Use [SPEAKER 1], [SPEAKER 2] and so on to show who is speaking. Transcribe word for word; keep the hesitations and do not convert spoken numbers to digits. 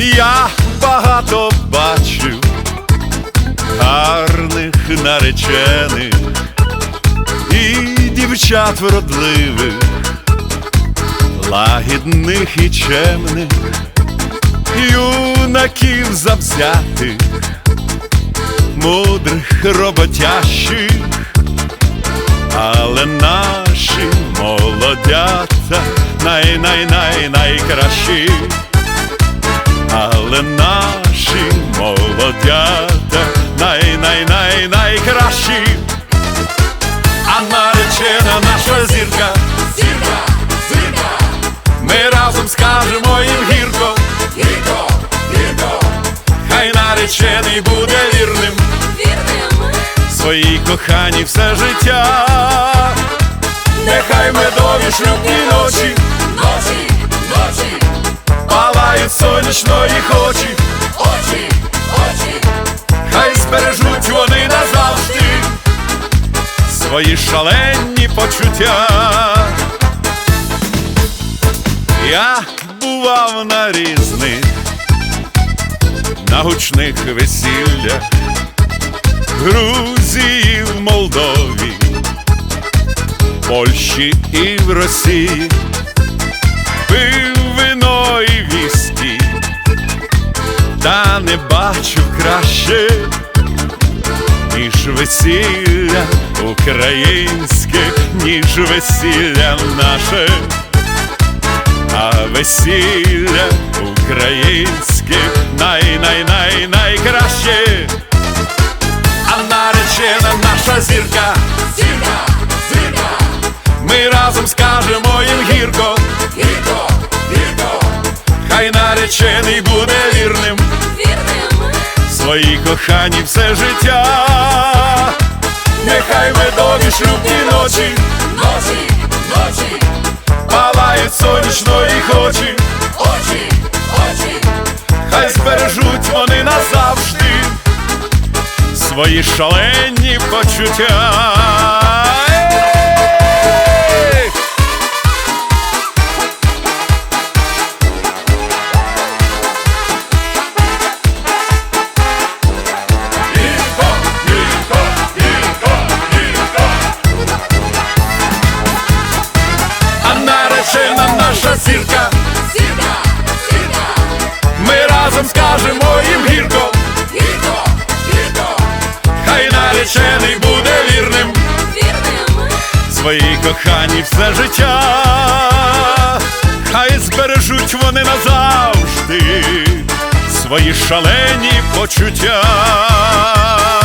[SPEAKER 1] Я багато бачив гарних наречених і дівчат вродливих, лагідних і чемних, юнаків завзятих, мудрих, роботящих, але наші молодята най-най-най-найкращі. Але наші молодята най-най-най-найкращі. А наречена наша зірка,
[SPEAKER 2] зірка, зірка,
[SPEAKER 1] ми разом скажемо їм гірко,
[SPEAKER 2] гірко, гірко,
[SPEAKER 1] хай наречений буде вірним,
[SPEAKER 2] вірним,
[SPEAKER 1] своїй коханій все життя. Нехай медові шлюбні ночі,
[SPEAKER 2] ночі, ночі,
[SPEAKER 1] палають сонячно їх очі,
[SPEAKER 2] очі, очі,
[SPEAKER 1] хай збережуть вони назавжди свої шалені почуття. Я бував на різних, на гучних весіллях, в Грузії, в Молдові, в Польщі і в Росії, пив вино і віскі, та не бачив краще, ніж весілля українське, ніж весілля наше. А весілля українське най-най-най-найкраще. А наречена наша зірка,
[SPEAKER 2] зірка, зірка,
[SPEAKER 1] ми разом скажемо їм гірко,
[SPEAKER 2] гірко, гірко,
[SPEAKER 1] хай наречений буде вірним,
[SPEAKER 2] вірним,
[SPEAKER 1] своїй коханій все життя. Нехай медові шлюбні ночі,
[SPEAKER 2] ночі, ночі,
[SPEAKER 1] палають сонячно їх очі,
[SPEAKER 2] очі, очі,
[SPEAKER 1] хай збережуть вони назавжди свої шалені почуття.
[SPEAKER 2] гірко, гірко, гірко, гірко,
[SPEAKER 1] А наречена наша зірка,
[SPEAKER 2] зірка, зірка,
[SPEAKER 1] ми разом скажемо їм гірко,
[SPEAKER 2] гірко, гірко,
[SPEAKER 1] хай наречений буде вірним,
[SPEAKER 2] вірним,
[SPEAKER 1] своїй коханій все життя. Хай збережуть вони назавжди свої шалені почуття.